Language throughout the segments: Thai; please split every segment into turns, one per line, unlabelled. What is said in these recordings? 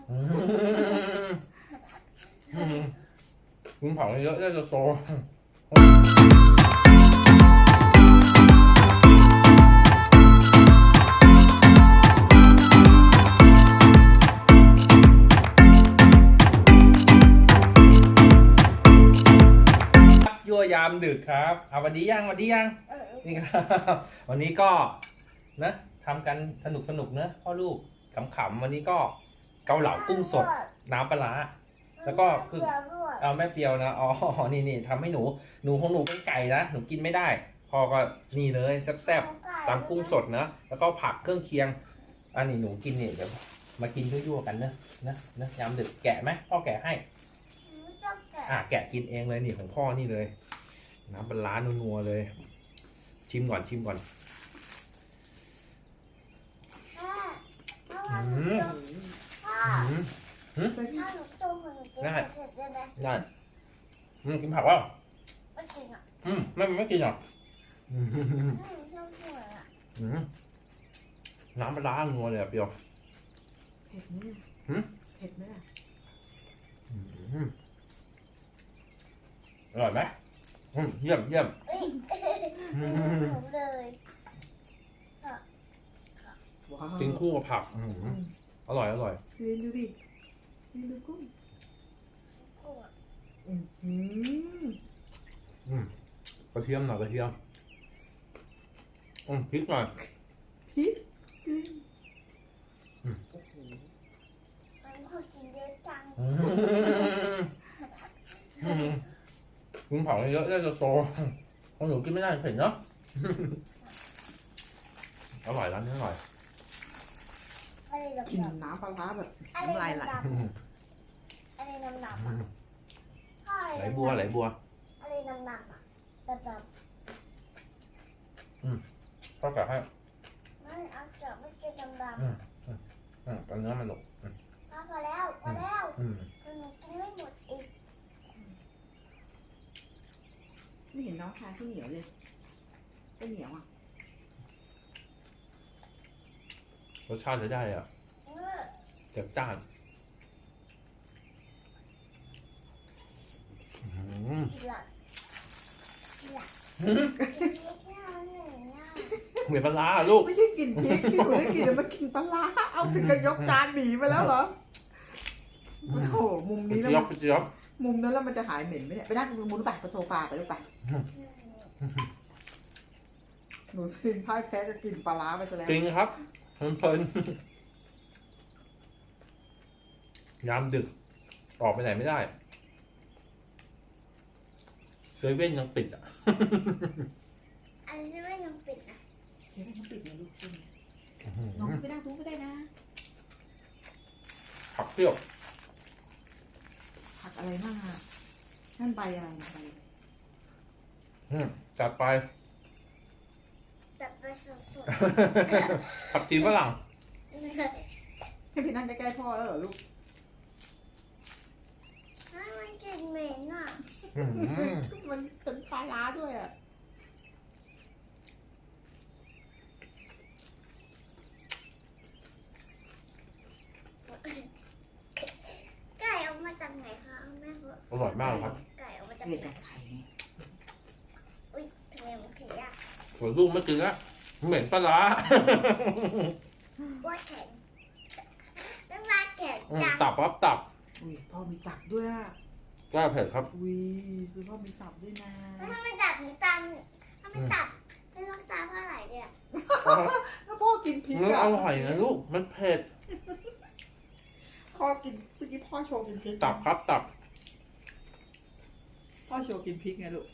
กินผักเยอะจะโตยั่วยามดึกครับเอาวันดียังนี่ครับวันนี้ก็นะทำกันสนุกเนอะพ่อลูกขำๆวันนี้ก็เกาเหลากุ้งสดน้ำปลาร้าแล้วก็คือเอาแม่เปียวนะอ๋อนี่ทำให้หนูของหนูเป็นไก่นะหนูกินไม่ได้พ่อก็นี่เลยแซ่บๆตามกุ้งสดนะแล้วก็ผักเครื่องเคียงอันนี้หนูกินเนี่ยเดี๋ยวมากินยั่วๆกันนะยามดึกแกะไหมพ่อแกะให้แกะกินเองเลยนี่ของพ่อนี่เลยน้ำปลาร้านัวๆเลยชิมก่อนได้กินผักวะไม่กินอ่ะไม่กินหรอน้ำปลาร้านัวเลยเปรี้ยว
เผ็ดไหมเผ็ดไหม
อร่อยไหมเยี่ยม
เลย
กินคู่กับผักอร่อย
เรียนดูดิเรียนดูกุ้ง
กระเทียมหน่อยพริกหน่อย
พริก
โอ้โหมันพอกินเยอะจัง
กินผักเยอะจะโตของหนูกินไม่ได้เผ็ดเนาะอร่อยร้านนี้อร่อย
กินน้ำปลาร้าแบบน้ำลายไหล
อะไรน้ำ
ไหลบัว
อะไรน้ำอ่ะจับ
พ่อแกะให้
ไม่เอาจับไม่กินน้ำ
ตอนเนื้อมันหนุก
พอแล้วหนูกินไม่หมดอีก
ไม่เห็นน้องทานข้าวเหนียวเลยข้าวเหนียวอ่ะ
รสชาติจะได้อ่ะจัดจ้านเหมือนปลาลูก
ไม่ใช่กินพริกที่หนูได้กินมันกินปลาเอาถึงกับยกจานหนีไปแล้วเหรอโอ้โหมุมนี้แล้วมุมนั้นแล้วมันจะหายเหม็นไหมเนี่ยไปนั่งมุมไปโซฟาไปลูกไปหนูซินพ่ายแพ้จะกินปลาไปซะแล้ว
จริงครับเพลินยามดึกออกไปไหนไม่ได้เซเว่นยังปิดอ่ะ
อันนี้เซเว่นยังปิดนะ
เซเว่นยังปิดนะลูกน้องไปนั่งดูก็ได้นะ
ผักเปรี้ยว
ผักอะไรบ้างอ่ะนั่นใบอะไรใบ
จัดไป
สด
ผักชีฝรั่ง
ให้พี่นั่งใกล้ๆพ่อแล้วเหรอลูก
มันกลิ่นเหม็นอ่ะ
มันเป็นปลาร้าด้วยอ่ะ
ไก่เอามาจากไหนคะแม่เขา
อร่อยมากครับ
ไก่เอามาจาก
ไข่
อุ้ยทำไมมันแข็งยาก
ส่วนลูกไม่กินละเหม็นปลาร้า
ว่าแข็งน้ำลายแข็งจัง
ตับ
อุ้ยพ่อมีตับด้วยอ่ะ
กล้าเผ็ดครับ
อุ้ยคือพ่อมีตับด้วยนะ
ถ้าไม่ตับหนูตามถ้าไม่ตับไม่ต้องตามเท่าไหร่เนี่ย
ถ้าพ่อกินพริก
อร่อยนะลูกมันเผ็ด
พ่อกินเมื่อกี้พ่อโชว์กินพริก
ตับ
พ่อโชว์กินพริกไงลูก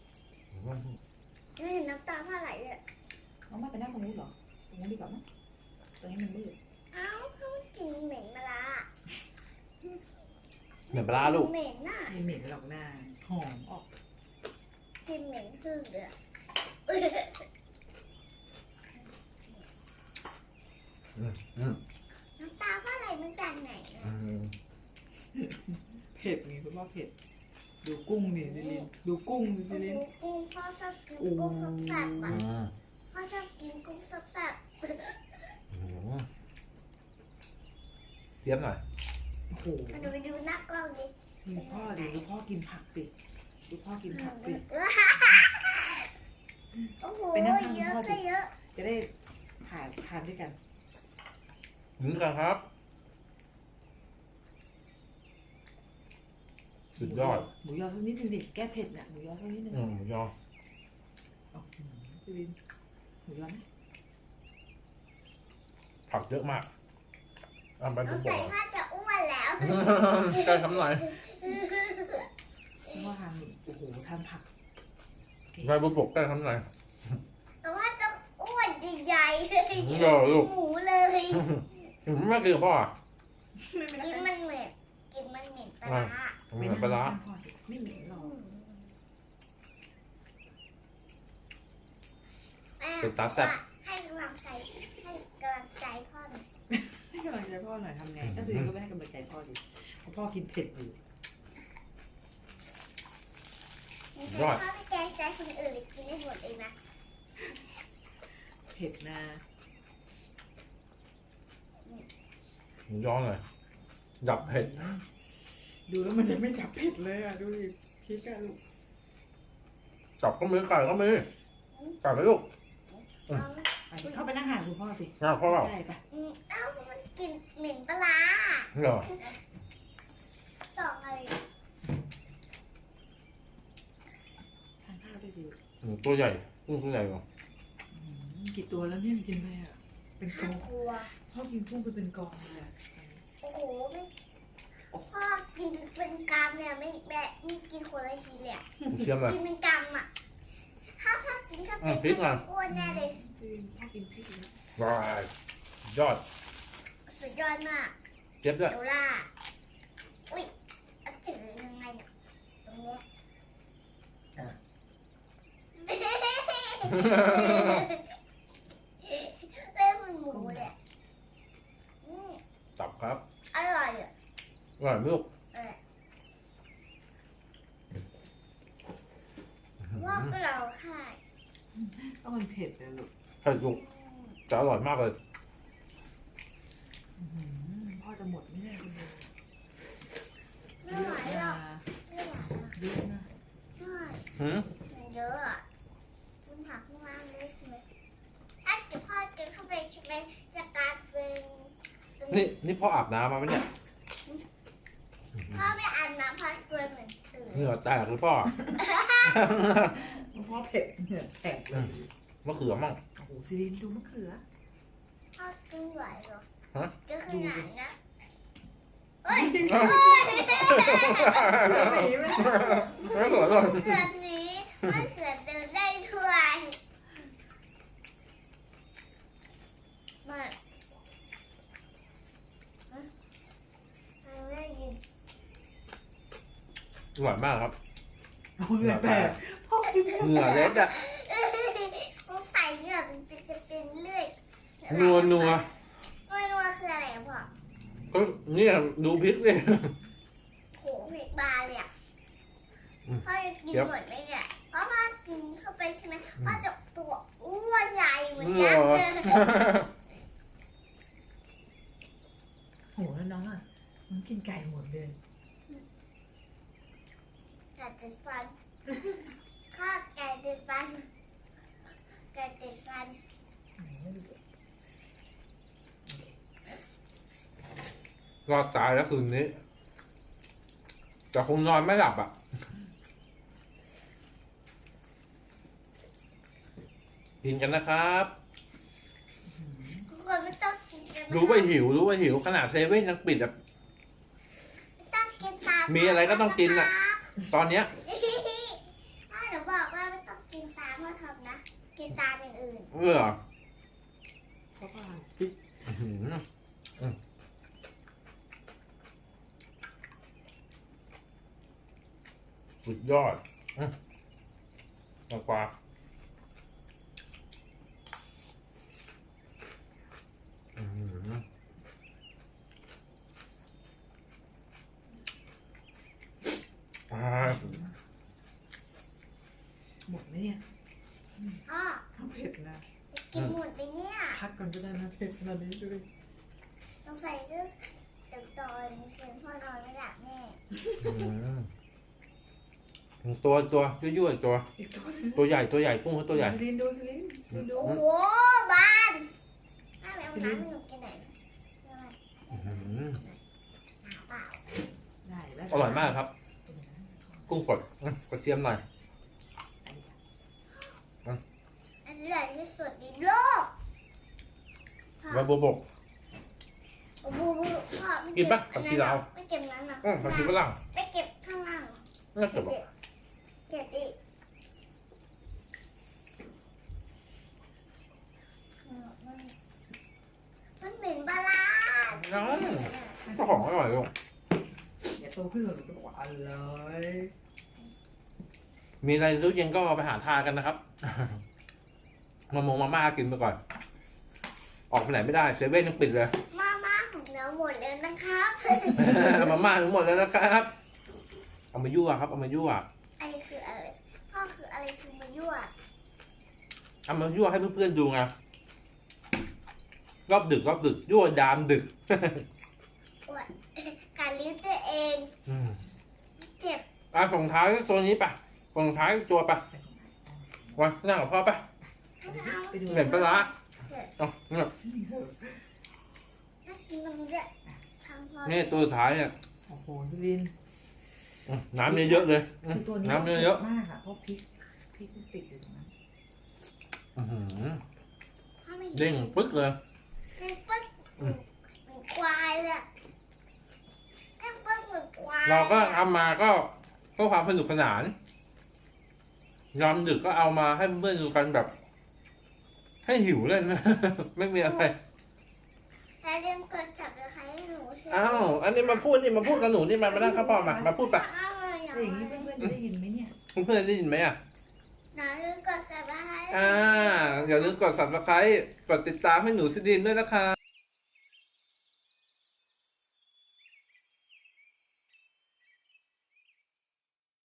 ไม่เห็นน้ำตาเท่าไหร่เลย
น้องไม่ไปนั่งตรงนู้นหรอตรงนู้นดีกว่าไหมตรงนี้มันมืด
อ้าวเขากินเหม็นปลา
เหม็นปลาลูก
เหม็นน่ะ
ไม่เหม็นหรอกหน้าหอมออก
กินเหม็นคือเดือดน้ำตาเท่าไหร่มันจากไหน
เผ็ดไงคุณพ่อเผ็ดดูกุ้งนี่ซิลินดูกุ้งซิลิน
กุ้งพ่อชอบกินกุ้งสับๆอ่ะพ่อชอบกินกุ้งสับ
เทียมหน่อย
โอ้โห
หนูไปดูหน้ากล้องดิ
ดูพ่อดิดูพ่อกินผักสิดูพ่อกินผักสิ
โอ้โห
ไปนั่งข้าง
เยอะ
พ่อสิ
ก็เยอะ
จะได้ทานด้วยกัน
ถึงกันครับ สุดยอด
หมูยอสักนิดนึงสิแก้เผ็ดเนี่ยหมูยอสักนิดนึง
หมูยอ
พี่ลินหมูยอนะ
ผักเยอะมากอ่ะไป
น้
ดู
อง
บ
ใส่
อก
ผ้าจะอ้วนแล้ว
ใกล้ทำหน่อย
เพราะว่าทานโอ้โหทานผัก
ไปบุบกใกล้ทำหน่อย
แต่ว่าต้องอ้วนใหญ่ๆเลย
หมูยอลูก
หมูเลย
ไม่กินกับพ่ออ่ะ
กินมันเหม็นกินมันเหม็นปลาร้า
เหมือนปลาร้า
ไม่เหม็นหรอก
เป็นตาแซ่บ
ให้กำลังใจพ่อหน่อย
ให้กำลังใจพ่อหน่อยทำไงก็คือก็ไม่ให้กำลังใจพ่อสิเพราะพ่อกินเผ็ดอยู่
ไม่ใช่พ่อไปแกล้งใจคนอื่นหรือกินได้หมดเองนะ
เผ็ดนะ
หมูยอหน่อยดับเผ็ด
ดูแล้วมันจะไม่จับเผ็ดเลยอ่ะดูดิคิดกันลูก
จับก็มือไก่ก็มือไก่ไปลูก
ไปเข้าไปนั่งห่างคุณพ่อสิ
งาพ่อ
ใช่ปะ
เอ้ามันกลินเหม็นปลาร้า
เหรอ
ดอกอะไร
ทานข้าวด้วยสิ
ตัวใหญ่กุ้งตัวใหญ่กว่า
กี่ตัวแล้วเนี่ยกินไปอ่ะเป็นกอง
กลัว
พ่อกินกุ้งไปเป็นกองเลยอะ
โอ้โหไม่พ่อกินเป็นกำเนี่ยไม่กินคนละทีเลยอะ
เชื่อมเลย
กินเป็นกำอ่ะถ้าพ่อกินเข้าไป
พริกอ่ะ
อ้วนแน่เลย
พ่อกินพริกนะ
ว้ายยอด
สุดยอดมาก
เจ็บด้วย
เดล่าอุ้ยเอาถือยังไงเนี่ยตรงเนี้ยเล่นมันหมูเลยอะอืม
ตับครับ
อร่อยอ่ะ
อร่อยไหมลูก
ว่าก็เราค่ะ
ต้องมันเผ็ดนะลูก
เผ็ดลูกจะอร่อยมากเลย
พ่อจะหมดไม่ได้คุณดู
ไม่
เย
ไหว
อะ
หร
นะ
อกไม่ไหวหรอก
เยอะนะ
ใช่
หืม
มันเยอะอ่ะคุณผักข้างล่างด้วยใช่ไหมถ้าเกิดพ่อกินเข้าไปใช่ไหมจะกลายเป็น
นี่พ่ออาบน้ำมาไหมเนี่ย
พ่อไม่อาบน้ำพ่อตัวเหมือนตื่น
เหงื่อแตกหรือพ่อ
พ่อเผ็ดเนี่ยแตกเลย
มะเขือมั่ง
โอ้โหซีรินดูมะเขือ
พ่อกินไหวเหรอ
ฮะ
ก็ขนาดนะเอ้ย
หนีไหม
มะเขือเลย
เขือนี้มันเขือเดินได้ด้วยมันไม่ยิน
อร่อยมากครับ
เหงื่อแตกพ่อกิน
เหงื่อเล็ดอะ
ต้องใส่เนี่ยมันจะเป็นเลือด
นัว
นัวคืออะไรอะพ่อ
ก็เนี่ยดูพริกเลย
โหเผ็ดบาเลยอ่ะ
อืม
พ่อจะกิน
เดี๋ยว
หมดไหมเนี่ยเพราะพ่อกินเข้าไปใช่ไหมพ่อจะตัวอ้วนใหญ่เหมือน
เหงื่
ยั
อก
ษ์เลย
โหแล้วน้องอ่ะมันกินไก่หมดเลย
ไก่ติดฟันข้าไก่ติดฟันไก่ติดฟัน
รอดตายแล้วคืนนี้แต่คงนอนไม่หลับอ่ะ กินกันนะครับ
ทุกคนไม่ต้องกินกันนะ
รู้ว่าหิวขนาดเซเว่นยังปิดอ่ะ
ไม่ต้องกินตาม
มีอะไรก็ต้องกินน่ะ ตอนเนี้ย
ถ้าหนูบอกว่าไม่ต้องกินตามพ่อทำนะกินตามอย่างอื่น
เพราะว่า
อื้อหือสุดยอดมากกว่าอื้อหืออ่า
หมดไหมเนี่ย
พ่อ
ข้าวเผ็ดนะ
กินหมดไปเนี่ย
พักก่อนก็ได้นะเผ็ดขนาดนี้ดูดิ
ต้องใส่เรื่องตึกตอนคืนพ่อนอนไม่หลับแน่
ตัวยั่วๆตัว
อีกตัว
ตัวใหญ่กุ้งเขาตัวใหญ่
ซิลินดูซิลินดู
โอ้โหบ้านน้าไปเอาน้ำให้หนูกินหน่อยเปล่า
ได้แล้ว
อร่อยมากครับ กุ้งสดกระเทียมหน่อย
อันใหญ่ที่สุดในโลก
ใบบัวบก
โอ้โหพ่อ
กินปะกับที่เรา
ไม่เก็บนั้นนะ
ผักชีฝรั่ง
ไปเก็บข้างล่าง
น่าจะบอก
เก็บดิมันเหม็นปลาร้า
น้องเจ้าของอร่อยลูก
อย่าโตขึ้นหนูก็บอกว่าอร่อย
มีอะไรในตู้เย็นก็เอาไปหาทานกันนะครับ มาม่ากินไปก่อน ออกไปไหนไม่ได้เซเว่นยังปิดเลย
มาม่าของเราหมดแล้วนะครับ
มาม่าทั้งหมดแล้วนะครับ เอามายั่วครับ เอามายั่ว
ไอคืออะไรพ่อคืออะไรคือมายั่ว
เอามายั่วให้เพื่อนๆดูไงรอบดึกยั่วยามดึก
อวดการลิ้นตัวเอง เจ็บ
ส่งท้ายตัวนี้ปะส่งท้ายตัวปะวันนั่งกับพ่อปะ
ไปดู
เหม็นปลาร้าเอาเนี่ย
น่ากินตรงนี้ด้วยทำพอ
นี่ตัวสุดท้ายเนี่ย
โอ้โหซิลิน
น้ำเยอะๆเลย
คือตัวนี้
น้ำเยอะ
มากอ่ะเพราะพริกมันติดอยู่ตรงนั้น
ถ้าไม่
เด้งปึ๊กเลย
เด้งปึ๊กเหมือนควายเลยอะเด้งปึ๊กเหมือนควาย
เราก็ทำมาก็เพื่อความสนุกสนานยามดึกก็เอามาให้เพื่อนๆดูกันแบบ ให้หิวเล่น ไม่มีอะไร
แล้วเด้งกดจับเลยใครให้หนูช่วย
อ้าวอันนี้มาพูดกับหนูนี่มานั่งข้าวปอมาพูดปะ
อ้าวอย่าง
แล้วอย่างนี้เพื่อนๆจะได้ยินไหมเนี่ย
เพื่อนๆได้ยินไหมอ่ะ
หนูเด้งกดจับเลยให้
อย่าลืมกด subscribe กดติดตามให้หนูซิดินด้วยนะคะ